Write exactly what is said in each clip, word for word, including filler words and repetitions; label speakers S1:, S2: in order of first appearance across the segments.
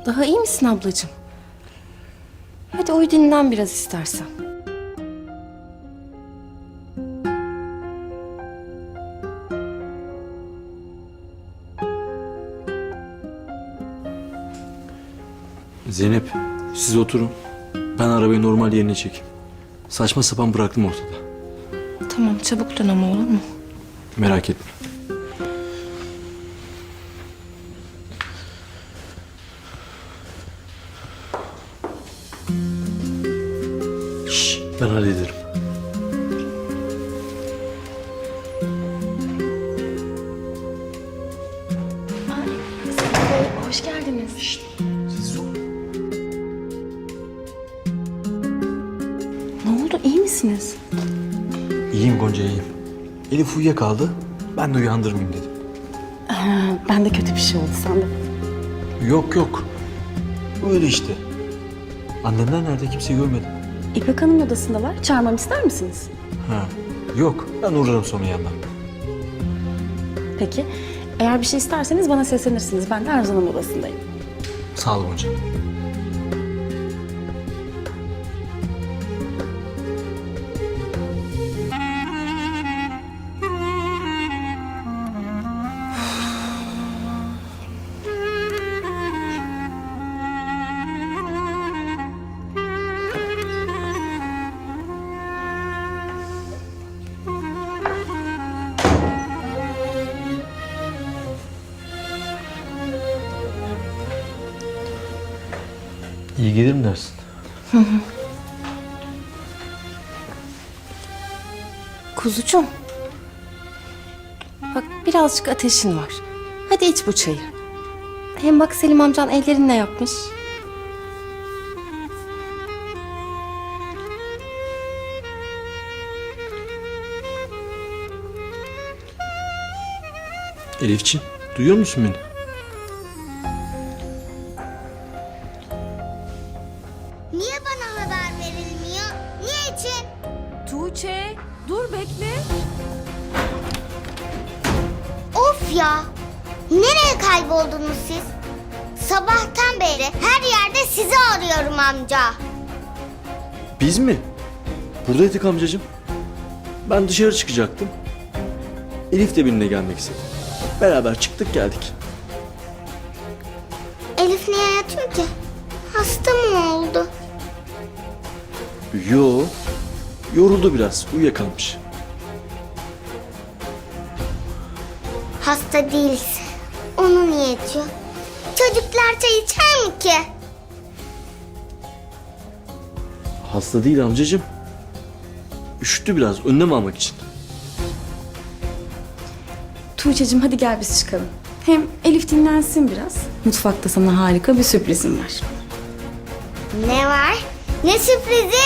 S1: Daha iyi misin ablacığım? Hadi uyu dinlen biraz istersen.
S2: Zeynep, siz oturun. Ben arabayı normal yerine çekeyim. Saçma sapan bıraktım ortada.
S1: Tamam, çabuk dön ama, olur mu?
S2: Merak etme. Şş, ben hallederim.
S1: Ay, Selim Bey, hoş geldiniz.
S2: Şşt, siz ol.
S1: Ne oldu, iyi misiniz?
S2: İyiyim Gonca, iyiyim. Elif uyuyakaldı. Ben de uyandırmayayım dedim.
S1: Ha, ben de kötü bir şey oldu sandım.
S2: Yok yok. Öyle işte. Annemler nerede? Kimseyi görmedim.
S3: İpek Hanım odasındalar. Çağırmamı ister misiniz?
S2: Ha. Yok. Ben uğrarım sonra yanına.
S3: Peki. Eğer bir şey isterseniz bana seslenirsiniz. Ben de Arzu Hanım odasındayım.
S2: Sağ ol Gonca. İyi gelir mi dersin?
S1: Kuzucuğum. Bak, birazcık ateşin var. Hadi iç bu çayı. Hem bak, Selim amcan ellerinle yapmış.
S2: Elifciğim, duyuyor musun beni?
S4: Niye bana haber verilmiyor? Niçin?
S5: Tuğçe, dur bekle.
S4: Of ya! Nereye kayboldunuz siz? Sabahtan beri her yerde sizi arıyorum amca.
S2: Biz mi? Buradaydık amcacığım. Ben dışarı çıkacaktım. Elif de benimle gelmek istedi. Beraber çıktık geldik.
S4: Elif niye yatıyor ki? Hasta mı oldu?
S2: Yo, yoruldu biraz, uyuyakalmış.
S4: Hasta değilse onu niye yatıyor? Çocuklar çay içer mi ki?
S2: Hasta değil amcacığım. Üşüttü biraz, önlem almak için.
S3: Tuğçe'cim hadi gel biz çıkalım. Hem Elif dinlensin biraz. Mutfakta sana harika bir sürprizim var.
S4: Ne var? Ne sürprizi?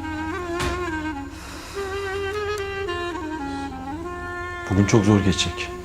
S2: Bugün çok zor geçecek.